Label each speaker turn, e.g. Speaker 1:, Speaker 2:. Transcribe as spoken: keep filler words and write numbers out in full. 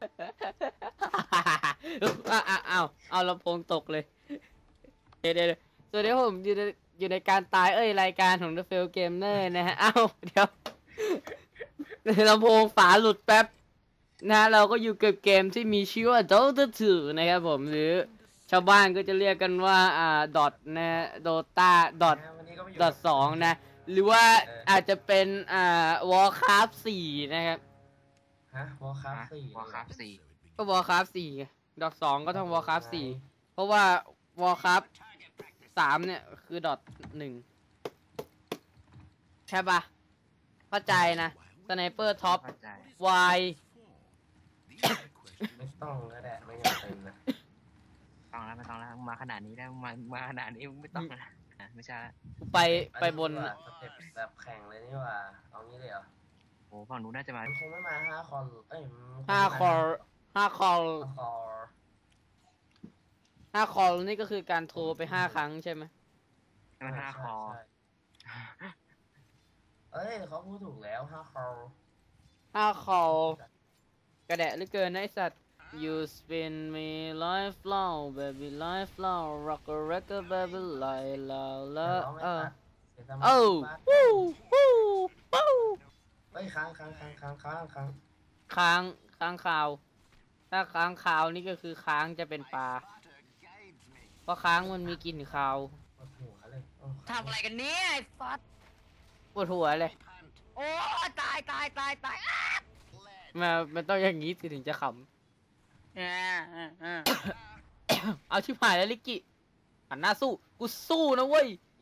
Speaker 1: อ้าวอ้าวเอาลำโพงตกเลยเดี๋ยวเดี๋ยวสวัสดีครับผมอยู่ในอยู่ในการตายเอ้ยรายการของ The Fail Gamer นะฮะอ้าวเดี๋ยวลำโพงฝาหลุดแป๊บนะเราก็อยู่กับเกมที่มีชื่อว่า Dota ทู นะครับผมหรือชาวบ้านก็จะเรียกกันว่าอ่าดอทนะโดตาดอทดอทสองนะหรือว่าอาจจะเป็นอ่า Warcraft สี่นะครับ
Speaker 2: ฮะวอลคราฟสี่
Speaker 3: วอลคราฟสี่
Speaker 1: ก็ Warcraft สี่ดอทสองก็ต้อง Warcraft สี่เพราะว่า Warcraft สามเนี่ยคือดอทหนึ่งใช่ปะเข้าใจนะสไนเปอร์ท็อป
Speaker 3: เข้าใจ
Speaker 1: Y
Speaker 2: ไม่ต้องก็ได้ไม่จำเป็นนะ
Speaker 3: ต้องแล้วไม่ต้องแล้วมาขนาดนี้แล้วมามาขนาดนี้ไม่ต้องแล้วอ่ะไม่ใช่ละ
Speaker 1: ไปไปบน
Speaker 2: สเต็ปแบบแข่งเลยนี่ว่าเอางี้เลยเหรอ
Speaker 3: โอ้ฝั่งนู้นน่าจะมา
Speaker 2: มันคงไม่มาห้าคอร์เอ้ยมันคง
Speaker 1: ห้า
Speaker 2: ไม่ม
Speaker 1: คอร์ห้าคอร์
Speaker 2: ห้าคอร์
Speaker 1: ห้าคอร์นี่ก็คือการโทรไปห้าครั้งใช่ไหม
Speaker 3: มันห้าคอ
Speaker 2: ใช่เอ้ยเขาพูดถูกแล้วห้าคอร์
Speaker 1: ห้าคอร์กระแดะเหลือเกินนะไอสัตว์ You spin me life long baby life long rock a record baby like la la เออเอ้าวู้วู้วู้
Speaker 2: เฮ้ยค้างค้างค้างค้างค้างค้าง
Speaker 1: ค้างค้างคาว ถ้าค้างคาวนี่ก็คือค้างจะเป็นปลาเพราะค้างมันมีกลิ่นคาว
Speaker 2: ปวดหัวเลยโอ้
Speaker 3: ทำอะไรกันเนี่ยไอ้ฟัด
Speaker 1: ปวดหัวเลย
Speaker 3: โอ้ตายตายตายตาย
Speaker 1: มามันต้องอย่างนี้สิถึงจะข
Speaker 3: อ่าอ่าอ่า
Speaker 1: ำ เอาชิบหายแล้วลิกกี้หันหน้าสู้ กูสู้นะเว้ย